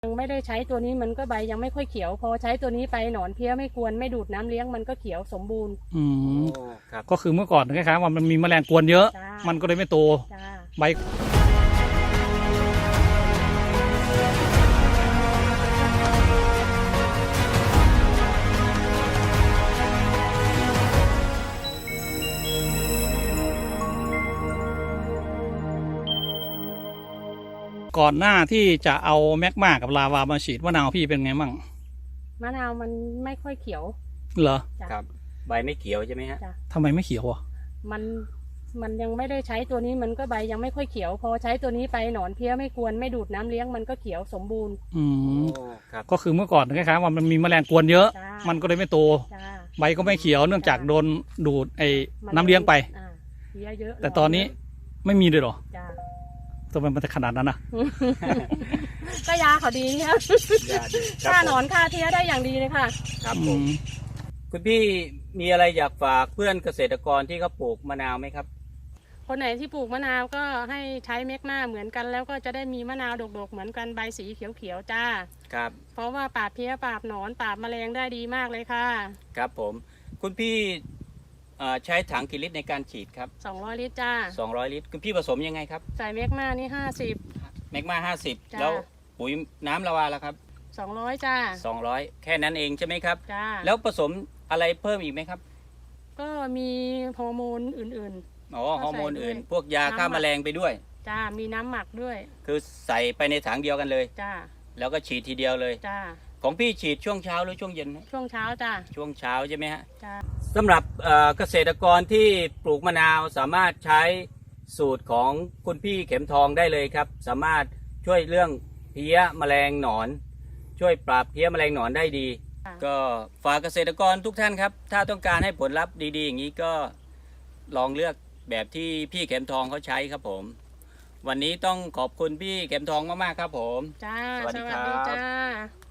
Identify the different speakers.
Speaker 1: ยังไม่ได้ใช้ตัวนี้มันก็ใบยังไม่ค่อยเขียวพอใช้ตัวนี้ไปหนอนเพี้ยไม่กวนไม่ดูดน้ำเลี้ยงมันก็เขียวสมบูรณ์
Speaker 2: ครับก็คือเมื่อก่อนคล้ายๆว่ามันมีแมลงกวนเยอะมันก็เลยไม่โตใบก่อนหน้าที่จะเอาแมกมากับลาวามาฉีดมะนาวพี่เป็นไงมั่ง
Speaker 1: มะนาวมันไม่ค่อยเขียว
Speaker 2: เหรอ
Speaker 3: ครับใบไม่เขียวใช่ไหมฮะ
Speaker 2: ทำไมไม่เขียวอ่ะ
Speaker 1: มันยังไม่ได้ใช้ตัวนี้มันก็ใบยังไม่ค่อยเขียวพอใช้ตัวนี้ไปหนอนเพี้ยไม่กวนไม่ดูดน้ำเลี้ยงมันก็เขียวสมบูรณ์
Speaker 2: ครับก็คือเมื่อก่อนคล้ายๆว่ามันมีแมลงกวนเยอะมันก็เลยไม่โตใบก็ไม่เขียวเนื่องจากโดนดูดไอ้น้ำเลี้ยงไป
Speaker 1: เพี้ยเยอะ
Speaker 2: แต่ตอนนี้ไม่มีเลยหรอทำไมมันจะขนาดนั้นนะ
Speaker 1: ก็ยาเขาดีครับฆ่าหนอนฆ่าเพี้ยได้อย่างดีเลยค่ะ
Speaker 3: ครับผมคุณพี่มีอะไรอยากฝากเพื่อนเกษตรกรที่เขาปลูกมะนาวไหมครับ
Speaker 1: คนไหนที่ปลูกมะนาวก็ให้ใช้เมกมาเหมือนกันแล้วก็จะได้มีมะนาวดกๆเหมือนกันใบสีเขียวๆจ้า
Speaker 3: ครับ
Speaker 1: เพราะว่าปราบเพี้ยปราบหนอนปราบแมลงได้ดีมากเลยค่ะ
Speaker 3: ครับผมคุณพี่ใช้ถังกี่ลิตรในการฉีดครับ
Speaker 1: 200 ลิตรจ้า
Speaker 3: 200 ลิตรคุณพี่ผสมยังไงครับ
Speaker 1: ใส่เมกมานี่50
Speaker 3: เมกมา50แล้วปุ๋ยน้ำละวาแล้วครับ
Speaker 1: 200จ้า
Speaker 3: 200แค่นั้นเองใช่ไหมครับ
Speaker 1: จ้า
Speaker 3: แล้วผสมอะไรเพิ่มอีกไหมครับ
Speaker 1: ก็มีฮอร์โมนอื่น
Speaker 3: ๆฮอร์โมนอื่นพวกยาฆ่าแมลงไปด้วย
Speaker 1: จ้ามีน้ำหมักด้วย
Speaker 3: คือใส่ไปในถังเดียวกันเลย
Speaker 1: จ้า
Speaker 3: แล้วก็ฉีดทีเดียวเลย
Speaker 1: จ้า
Speaker 3: ของพี่ฉีดช่วงเช้าหรือช่วงเย็น
Speaker 1: ช่วงเช้าจ้า
Speaker 3: ช่วงเช้าใช่ไหมฮะ
Speaker 1: จ้า
Speaker 3: สำหรับเกษตรกรที่ปลูกมะนาวสามารถใช้สูตรของคุณพี่เข็มทองได้เลยครับสามารถช่วยเรื่องเพี้ยแมลงหนอนช่วยปราบเพี้ยแมลงหนอนได้ดีก็ฝากเกษตรกรทุกท่านครับถ้าต้องการให้ผลลัพธ์ดีๆอย่างนี้ก็ลองเลือกแบบที่พี่เข็มทองเขาใช้ครับผมวันนี้ต้องขอบคุณพี่เข็มทองมากๆครับผม
Speaker 1: จ้าสวัสดีจ้า